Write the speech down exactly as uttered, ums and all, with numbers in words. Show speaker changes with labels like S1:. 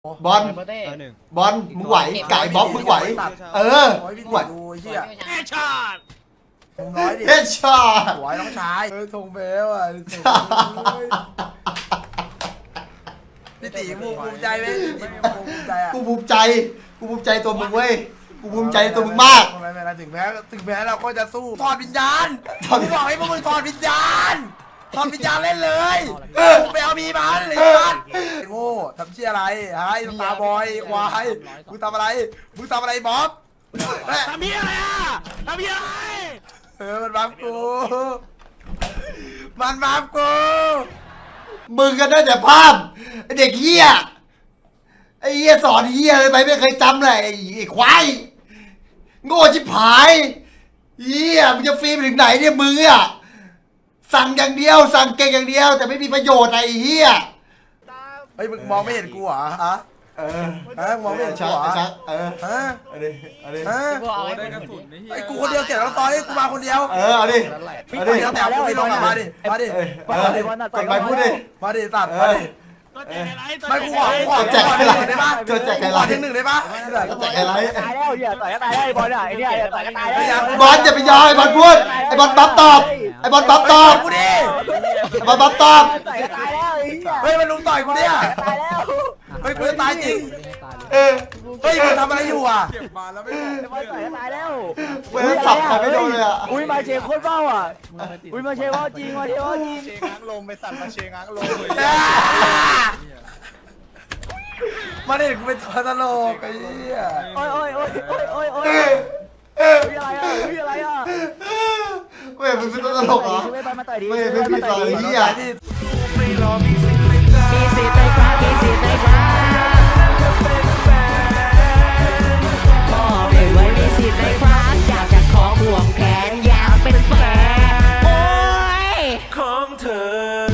S1: บอลบอลมึงไหวไก่บ๊อบมึงไหวเออมึงไหว
S2: ดูไอ้เหี้ย
S3: เฮดช็อต
S2: มึงน้อยดิ
S1: เฮ็ดช็อต
S2: สวยน้องชายเออทงเบลอ่ะพี่ตีมึงภูมิใจไหมพี่ตีมึงภูมิใจอ่ะ
S1: กูภูมิใจกูภูมิใจตัวมึงเว้ยกูภูมิใจตัวมึงมาก
S2: ไม่เป็นไรถึงแม้ถึงแม้เราก็จะสู้ถอดวิญญาณ
S1: ถอด
S2: กูบอกให้พวกมึงถอดวิญญาณถอดวิญญาณเล่นเลยไปเอามีมันเลยมันโง่ทำเชี่ยอะไรฮะไอ้ตาบอยควายมึงทำอะไรมึงทำอะไรบ๊อบ
S3: ทำเฮียอะไรอ่ะทำเฮียอะไร
S2: เออมันบัฟกูมันบัฟกู
S1: มึงก็ได้แต่ภาพไอ้เด็กเหี้ยไอ้เหี้ยสอนเหี้ยเลยไปไม่เคยจำเลยไอ้ไอ้ควายโง่ชิบหายเหี้ยมึงจะฟรีไปถึงไหนเนี่ยมึงอะสั่งอย่างเดียวสั่งเก่งอย่างเดียว แต่ไม่มีประโยชน์ไอ้เหี้ย
S2: เฮ้ยมึงมองไม่เห็นกูเหรอฮะ
S1: เออ
S2: ฮะมึงมองไม่เห็นกู
S1: ชัก
S2: เหรอ
S1: ชักเออ
S2: ฮะ
S1: เอาดิเอาดิ
S2: ฮะ
S4: ได้กระสุนนี่
S2: ไอ้กูคนเดียวเสียแล้วตอนนี้กูมาคนเดียว
S1: เออเอาดิ
S2: พี่
S1: เอา
S2: ค
S1: ดิ
S2: นเดียวแต่กูไม่ลงมาดิมาดิ
S1: เออเออจดไปพูดดิ
S2: มาดิตัดมาดิ
S3: ตัวแจกอะไรตัว
S2: ไม่กูขอกูขอ
S1: แจก
S2: กูขอ
S1: ให้
S2: หนึ่งได้ปะ
S1: เกิดแจกให้
S2: กูขอหนึ่งหนึ่งได้ปะ
S1: ก็แจกไอ้ไร
S5: ตายแล้วเหี้ยต่อยก็ตายแล้วไอ้บอลอ่ะไอ้เนี่ยต่อยก็ตายแล้ว
S1: บอลอย่าไปยอมไอ้บอลพูดไอ้บอลบัฟตอบไอ้บอลบัฟตอบ
S2: กูดิ
S1: ไอ้บอลบัฟตอบ
S5: ต่อยก็ตายแล้วไอ้เหี้ย
S2: เฮ้ยมันลุมต่อยกูเนี่ย
S5: ตายแล้ว
S2: เฮ้ยกูจะตายจริง
S1: เออ
S2: เฮ้ยมึงทำอะไรอยู่อ่ะ
S4: เก็บมาแล้วไม่
S5: ไอ้บอลต่อยก็ตายแล้ว
S1: เว้ยสับใครไม่โดนเลยอ่ะ
S5: อุ้ยมาเชโคตรเบ้าอ่ะอุ้ยมาเชว่าจริงมาเชว่าจริง
S4: เชง้างลมไปสั่นมาเชง้างลมเลย
S2: มาดิกูเป็นตัวตลกไอ้เหี้ย
S5: โอ้ยโอ้ยโอ้ยโอ้ยโอ้ยโอ้ย
S1: เออเออ
S5: อุ้ยอะไรอ่ะอุ้ยอะไรอ่ะ
S1: เว้ยมึงเป็นตัวตลกเหรอ
S5: ช่วยบอลมาต่อยดิ
S1: เว้ยไม่ผิดหรอกไอ้เหี้ย
S5: มีสิทธิ์ในครับมีสิทธิ์ในครับบอกเลยว่ามีสิทธิ์ในครับอยากจะขอห่วงแขนอยากเป็นแฟนโอ้ย
S3: ของเธอ